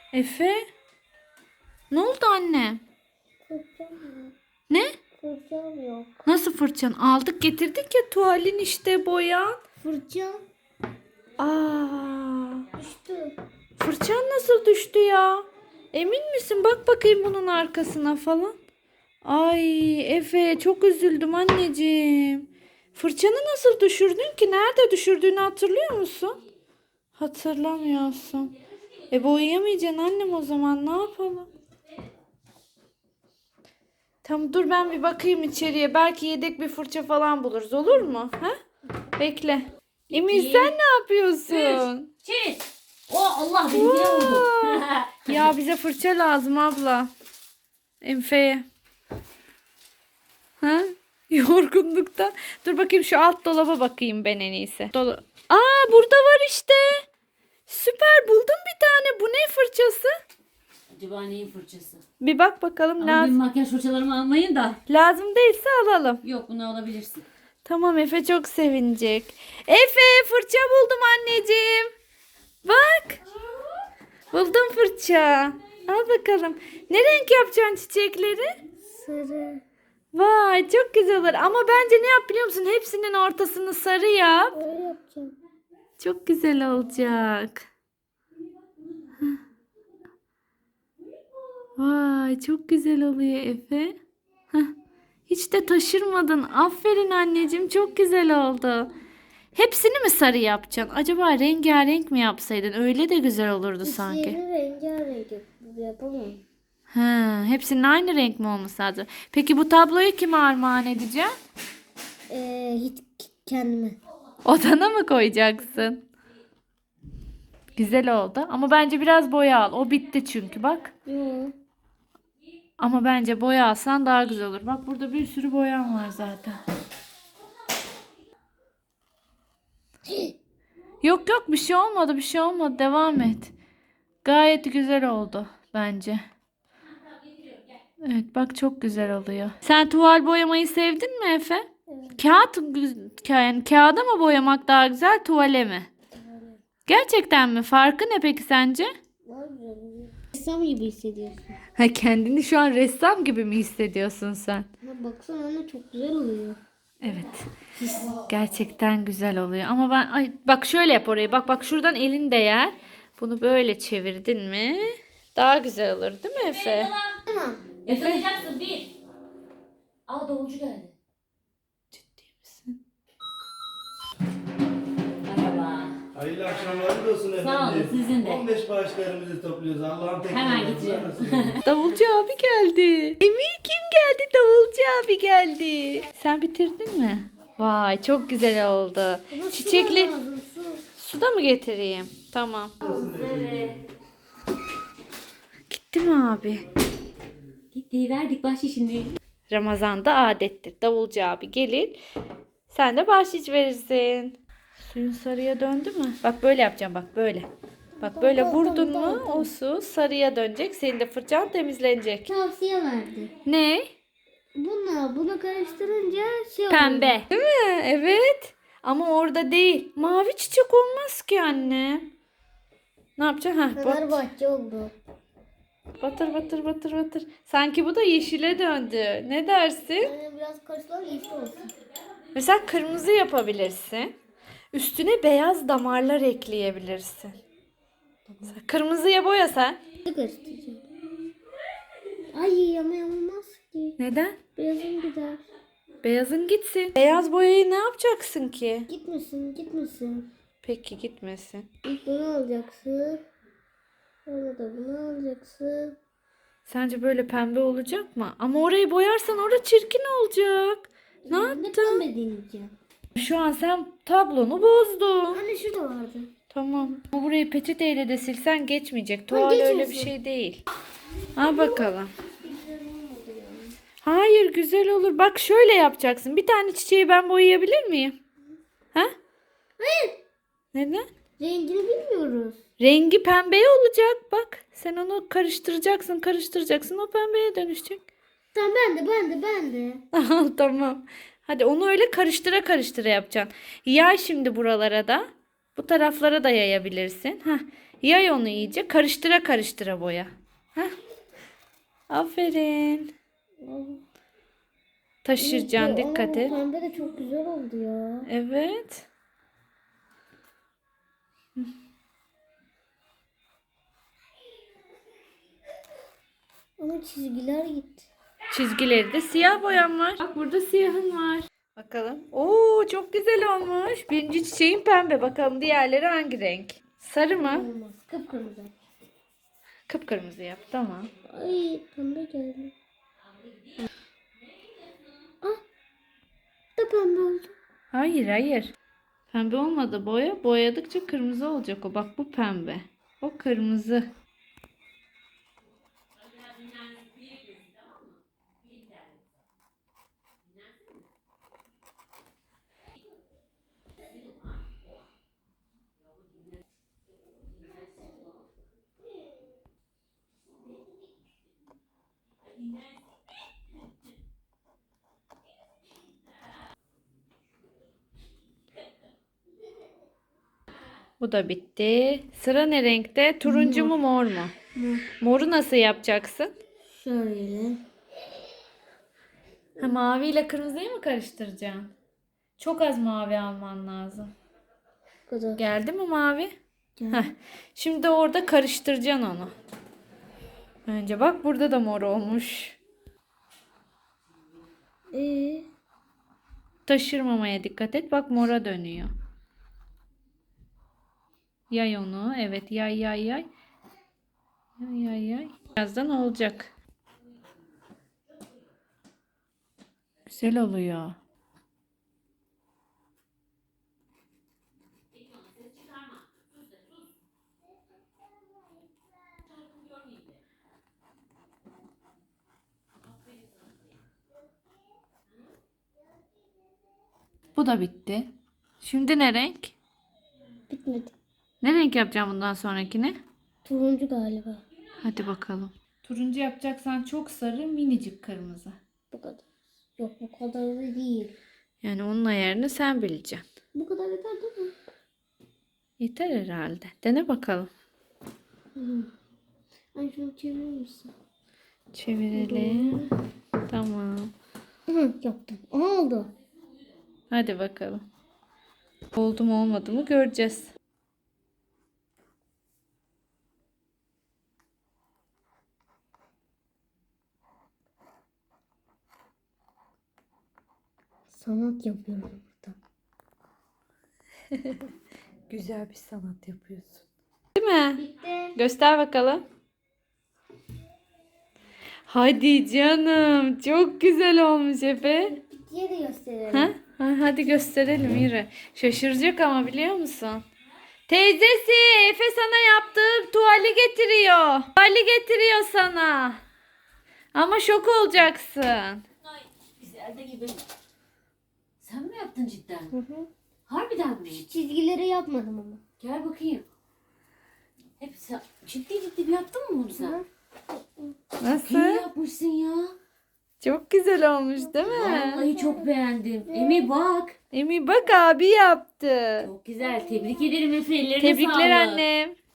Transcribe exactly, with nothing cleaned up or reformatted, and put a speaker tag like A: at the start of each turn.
A: Efe? Ne oldu anne?
B: Fırçam yok.
A: Ne?
B: Fırçam yok.
A: Nasıl fırçan? Aldık getirdik ya tuvalin işte boyan.
B: Fırçam
A: Aa,
B: düştü.
A: fırçan nasıl düştü ya? Emin misin? Bak bakayım bunun arkasına falan. Ay Efe çok üzüldüm anneciğim. Fırçanı nasıl düşürdün ki? Nerede düşürdüğünü hatırlıyor musun? Hatırlamıyorsun. E boyayamayacaksın annem o zaman ne yapalım? Tamam dur ben bir bakayım içeriye. Belki yedek bir fırça falan buluruz olur mu? Ha? Bekle. Emir sen ne yapıyorsun?
C: Çiz. O Allah benimkine vurdu.
A: Aa! Ya bize fırça lazım abla. Enfe'ye. Ha? Yorgunlukta. Dur bakayım şu alt dolaba bakayım ben en iyisi. Dolu. Aa burada var işte. Süper buldum bir tane. Bu ne fırçası?
C: Acaba neyin fırçası?
A: Bir bak bakalım
C: Ama benim
A: lazım.
C: makyaj fırçalarımı almayın da.
A: Lazım değilse alalım.
C: Yok bunu alabilirsin.
A: Tamam Efe çok sevinecek. Efe fırça buldum anneciğim. Bak. Buldum fırça. Al bakalım. Ne renk yapacaksın çiçekleri?
B: Sarı.
A: Vay çok güzel olur. Ama bence ne yap biliyor musun? Hepsinin ortasını sarı yap.
B: Öyle yapacağım.
A: Çok güzel olacak. Hah. Vay çok güzel oluyor Efe. Hah. Hiç de taşırmadın. Aferin anneciğim çok güzel oldu. Hepsini mi sarı yapacaksın? Acaba rengarenk mi yapsaydın? Öyle de güzel olurdu sanki.
B: Yeni rengarenk yap- yapalım.
A: Ha, hepsinin aynı renk mi olması lazım? Peki bu tabloyu kime armağan edeceğim?
B: Ee, hiç kendime.
A: Odana mı koyacaksın? Güzel oldu. Ama bence biraz boya al. O bitti çünkü bak.
B: Yok.
A: Ama bence boya alsan daha güzel olur. Bak burada bir sürü boyam var zaten. Yok yok bir şey olmadı bir şey olmadı. Devam et. Gayet güzel oldu bence. Evet bak çok güzel oluyor. Sen tuval boyamayı sevdin mi Efe?
B: Evet.
A: Kağıt güz- yani kağıda mı boyamak daha güzel tuvale mi? Gerçekten mi? Farkı ne peki sence?
B: Daha güzel oluyor. Ressam gibi hissediyorsun.
A: Ha kendini şu an ressam gibi mi hissediyorsun sen?
B: Ama baksana anne çok güzel oluyor.
A: Evet. Gerçekten güzel oluyor. Ama ben ay bak şöyle yap orayı. Bak bak şuradan elin değer. Bunu böyle çevirdin mi? Daha güzel olur değil mi Efe?
B: Tamam.
C: Yakalayacaksın bir. Aa davulcu geldi.
A: Ciddi misin?
C: Merhaba.
D: Hayırlı akşamlar olsun efendim.
C: Sağ olun, sizin de.
D: on beş bağışlarımızı topluyoruz. Allah'ın tek
C: Hemen
D: yardımcısı
C: gideceğim.
D: arasında.
A: Davulcu abi geldi. Emir kim geldi? Davulcu abi geldi. Sen bitirdin mi? Vay çok güzel oldu.
B: Ama su
A: Çiçekli
B: da lazım, su.
A: suda mı getireyim? Tamam.
C: Evet.
A: Gitti mi abi?
C: Gitti verdik bahşişini.
A: Ramazan'da adettir. Davulcu abi gelir. Sen de bahşiş verirsin. Suyun sarıya döndü mü? Bak böyle yapacağım bak böyle. Bak böyle vurdun mu o su sarıya dönecek. Senin de fırçan temizlenecek.
B: Tavsiye verdi.
A: Ne?
B: Bununla bunu karıştırınca şey oluyor.
A: Pembe. Değil mi? Evet. Ama orada değil. Mavi çiçek olmaz ki anne. Ne yapacaksın? Ha, bat,
B: Fenerbahçe oldu.
A: batır batır batır batır. Sanki bu da yeşile döndü. Ne dersin?
B: Yani biraz karıştılar yeşil olsun.
A: Mesela kırmızı yapabilirsin. Üstüne beyaz damarlar ekleyebilirsin. Mesela kırmızıya boya sen.
B: Ne karıştıracağım? Ay ama olmaz ki.
A: Neden?
B: Birazın gider.
A: Beyazın gitsin. Beyaz boyayı ne yapacaksın ki?
B: Gitmesin gitmesin.
A: Peki gitmesin.
B: İlk bunu alacaksın. Sonra da bunu alacaksın.
A: Sence böyle pembe olacak mı? Ama orayı boyarsan orada çirkin olacak. Ne
B: Ne
A: yaptın?
B: pembe deneyeceğim.
A: Şu an sen tablonu bozdun.
B: Anne şurada vardı.
A: Tamam. Ama burayı peçeteyle de silsen geçmeyecek. Tuval öyle bir
B: geçmesin.
A: şey değil. Ha bakalım. Hayır güzel olur. Bak şöyle yapacaksın. Bir tane çiçeği ben boyayabilir miyim? Ha?
B: Hayır.
A: Neden?
B: Rengini bilmiyoruz.
A: Rengi pembeye olacak. Bak sen onu karıştıracaksın karıştıracaksın. O pembeye dönüşecek.
B: Tamam ben de ben de ben de.
A: Al tamam. Hadi onu öyle karıştıra karıştıra yapacaksın. Yay şimdi buralara da. Bu taraflara da yayabilirsin. Hah. Yay onu iyice. Karıştıra karıştıra boya. Heh. Aferin. Taşıracaksın, dikkat et.
B: Pembe de çok güzel oldu ya.
A: Evet.
B: Ama çizgiler gitti.
A: Çizgileri de siyah boyam var. Bak burada siyahın var. Bakalım. Oo çok güzel olmuş. Birinci çiçeğin pembe. Bakalım diğerleri hangi renk? Sarı mı?
B: Olmaz. Kıpkırmızı.
A: Kıpkırmızı yap. Tamam.
B: Ay pembe geldi. Ah. Da pembe oldu.
A: Hayır hayır. Pembe olmadı boya. Boyadıkça kırmızı olacak o. Bak bu pembe. O kırmızı. Bu da bitti. Sıra ne renkte? Turuncu mu mor mu? Moru nasıl yapacaksın?
B: Şöyle.
A: Ha, maviyle kırmızıyı mı karıştıracaksın? Çok az mavi alman lazım.
B: Bu kadar.
A: Geldi mi mavi?
B: Geldi.
A: Heh. Şimdi orada karıştıracaksın onu. Önce bak burada da mor olmuş.
B: Ee,
A: Taşırmamaya dikkat et. Bak mora dönüyor. Yay onu. Evet yay yay yay. Yay yay yay. Birazdan olacak. Güzel oluyor. Bu da bitti. Şimdi ne renk?
B: bitmedi.
A: Ne renk yapacağım bundan sonrakini?
B: Turuncu galiba.
A: Hadi bakalım. Turuncu yapacaksan çok sarı, minicik kırmızı.
B: Bu kadar. Yok bu kadar da değil.
A: Yani onun ayarını sen bileceksin.
B: Bu kadar yeter değil mi?
A: Yeter herhalde. Dene bakalım.
B: Hı. Ay şunu çevirir misin?
A: Çevirelim. Tamam.
B: Hı, yaptım. Aha oldu.
A: Hadi bakalım. Oldu mu olmadı mı göreceğiz.
B: Sanat yapıyorum burada.
A: Güzel bir sanat yapıyorsun. Değil mi?
B: Bitti.
A: Göster bakalım. Hadi canım. Çok güzel olmuş Efe.
B: Bittiye de gösterelim.
A: Ha? Ha, hadi gösterelim yürü. Şaşıracak ama biliyor musun? Teyzesi Efe sana yaptığı tuvali getiriyor. Tuvali getiriyor sana. Ama şok olacaksın.
C: Ay güzel de gibi. Sen mi yaptın cidden?
B: Hı hı.
C: Harbiden mi?
B: Çizgileri yapmadım ama.
C: Gel bakayım. Hepsi ciddi ciddi bir yaptın mı bunu sen? İyi
A: Nasıl?
C: yapmışsın ya.
A: Çok güzel olmuş değil mi?
C: Vallahi çok beğendim. Emi bak.
A: Emi bak abi yaptı.
C: Çok güzel. Tebrik ederim Efe. Ellerine
A: Tebrikler
C: sağlık.
A: annem.